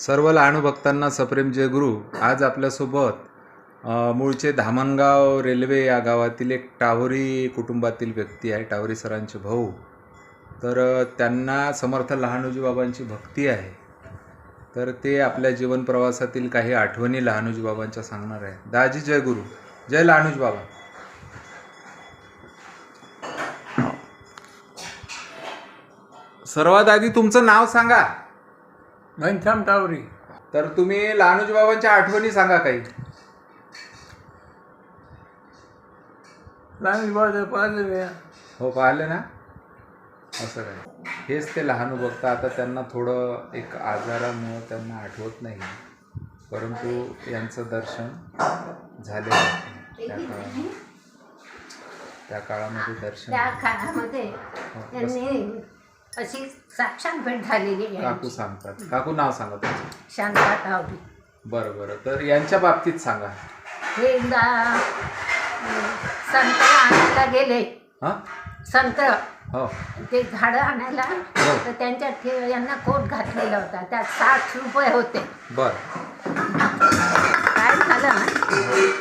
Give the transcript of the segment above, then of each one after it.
सर्व लहानू भक्तांना सप्रेम जय गुरु. आज आपल्यासोबत मूळचे धामणगाव रेल्वे या गावातील एक टावरी कुटुंबातील व्यक्ती आहे, टावरी सरांचे भाऊ. तर त्यांना समर्थ लहानूजी बाबांची भक्ती आहे. तर ते आपल्या जीवन प्रवासातील काही आठवणी लहानूजी बाबांच्या सांगणार आहे. दाजी जय गुरु. जय लहानूजी बाबा. सर्वात आधी तुमचं नाव सांगा. घनश्याम टावरी. तर तुम्ही लहानूजी बाबांच्या आठवणी सांगा काही. लहानूजी पाहिलेले. हो, पाहिले ना. असं काय, हेच ते लहानू बघता. आता त्यांना थोडं एक आजारामुळं त्यांना आठवत नाही, परंतु यांचं दर्शन झाले त्या काळामध्ये दर्शन. त्या काळामध्ये त्यांनी अशी साक्षात भेट झालेली आहे. काकू सांगतात. काकू नाव सांगा तुमचं. शांता टावरी. बरं बरं. तर यांच्या बाबतीत सांगा. हे एकदा संत्र आणायला गेले. हां. संत्र हो ते झाडं आणायला. तर त्यांच्या यांना कोट घातलेला होता. त्यात 60 रुपये होते. बरं. काय झालं,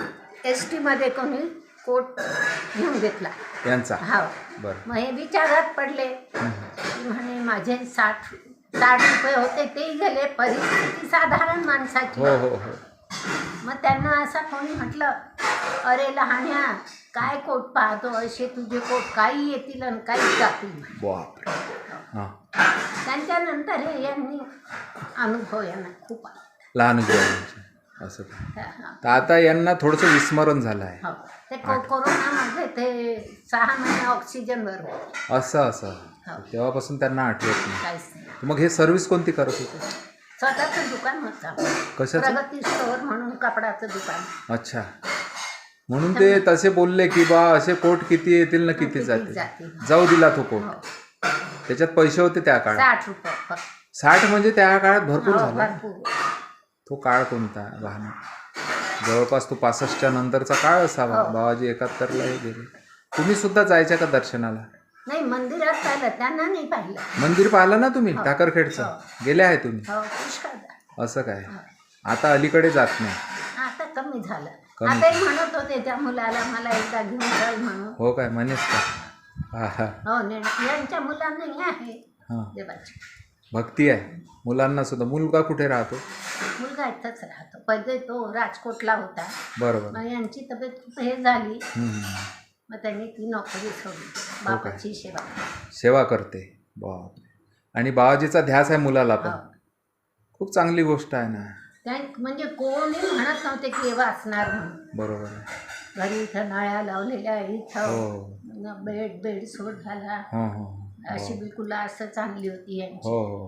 ST मध्ये कोणी कोट घेऊन घेतला यांचा. हा. बरं. मग हे विचारात पडले. म्हणे माझे 60 रुपये होते, ते गेले. परिस्थिती साधारण माणसाची. हो हो हो. मग त्यांना असं कोणी म्हटलं, अरे लहान्या, काय कोट पाहतो, असे तुझे कोट काही येतील आणि काही जातील. बापरे. हां. त्यांच्यानंतर हे यांनी अनुभव यांना खूप आला. लहानूजी बाबांचे. असं काय. हा. तर आता यांना थोडंसं विस्मरण झालं आहे. हो. ते कोरोनामध्ये ते 6 महिने ऑक्सिजनवर होते. असं असं. हो. तेव्हापासून त्यांना आठवत नाही. काहीच नाही. मग हे सर्व्हिस कोणती करत होते? स्वतःचं दुकान होतं. कशाचं? प्रगती स्टोअर म्हणून कपडाचं दुकान. अच्छा. म्हणून ते तसे बोलले की बा असे कोट किती येतील ना किती किती जातील. जातील. जाऊ दिला तो कोट. हो. त्याच्यात पैसे होते त्या काळात. 60 रुपये फक्त. 60 म्हणजे त्या काळात भरपूर हो, झाला. भरपूर. तो काळ कोणता लहान? जवळपास तो 65च्या नंतरचा काळ असावा. हो. बाबाजी 71ला हे गेले. तुम्ही सुद्धा जायच्या का दर्शनाला? नाही, मंदिरात पाहिलं, त्यांना नाही पाहिलं. मंदिर पाहिलं ना तुम्ही? हो. टाकरखेडचं. हो. गेले आहे तुम्ही? हो, पुष्कळ. असं काय. हो. आता अलीकडे जात नाही. आता कमी झालं. कमी. आता म्हणत होते त्या मुलाला, मला एकदा घेऊन जाईल म्हणून. हो काय, म्हणेस का? हा हा. हो, यांच्या मुलांनाही आहे हां. देवाची भक्ती आहे मुलांना सुद्धा. मुलगा कुठे राहतो? मुलगा इथंच राहतो. पहिले तो राजकोटला होता. बरोबर. मग यांची तब्येत खूप हे झाली. हम्म. मग त्यांनी ती नोकरी सोडली. हो बापाची सेवा. सेवा करते. बापरे. आणि बाबाजीचा ध्यास आहे मुलाला पण. हो. खूप चांगली गोष्ट आहे ना. त्या म्हणजे कोणी म्हणत नव्हते की हे वाचणार म्हणून. बरोबर आहे. घरी इथं नळ्या लावलेल्या, इथं हो बेड सोड झाला. हो हो अशी बिलकुल असं चांगली होती यांची. हो हो.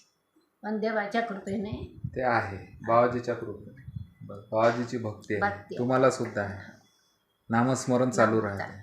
पण देवाच्या कृपेने ते आहे बाबाजीच्या कृपेने. बाबाजीची भक्ती आहे. भक्ती. तुम्हाला सुद्धा आहे. नामस्मरण चालू राहते.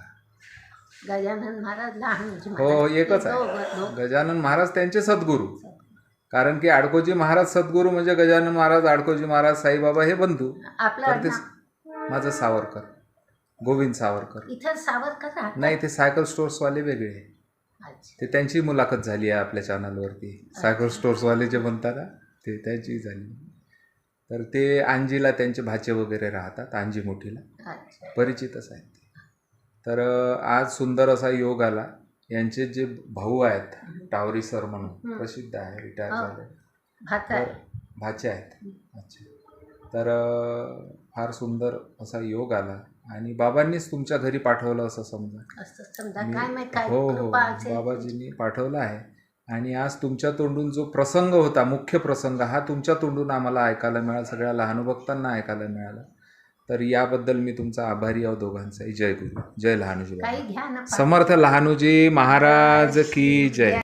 गजानन महाराज, लहानूजी हो, महाराज, एकच ते आहे. दोघं. गजानन महाराज त्यांचे सद्गुरू. कारण की आडकोजी महाराज सद्गुरू म्हणजे गजानन महाराज, आडकोजी महाराज, साईबाबा हे बंधू. आपलं तर ते आडनाव माझं सावरकर, गोविंद सावरकर. इथं सावरकर राहतात. नाही, ते सायकल स्टोर्सवाले वेगळे. अच्छा. ते त्यांची मुलाखत झाली आहे आपल्या चॅनलवरती. सायकल स्टोर्सवाले जे म्हणतात ना, ते त्यांची झाली. तर ते आंजीला त्यांचे भाचे वगैरे राहतात. आंजी मोठीला अच्छा. परिचितच आहेत ते. तर आज सुंदर असा योग आला. यांचे जे भाऊ आहेत टावरी सर म्हणून प्रसिद्ध आहे, रिटायर हो. झाले. भात आहे. तर भाचे आहेत. अच्छा. तर फार सुंदर असा योग आला आणि बाबांनीच तुमच्या घरी पाठवलं असं समजा. असं समजा. काय माहित काय हो हो, कृपा असेल. बाबाजींनी पाठवलं आहे. आणि आज तुमच्या तोंडून जो प्रसंग होता, मुख्य प्रसंग, हा तुमच्या तोंडून आम्हाला ऐकायला मिळाला, सगळ्या लहान भक्तांना ऐकायला मिळाला. तर याबद्दल मी तुमचा आभारी आहो दोघांचाही. जय गुरु. जय लहानूजी. काही घ्या ना. समर्थ लहानूजी महाराज की जय.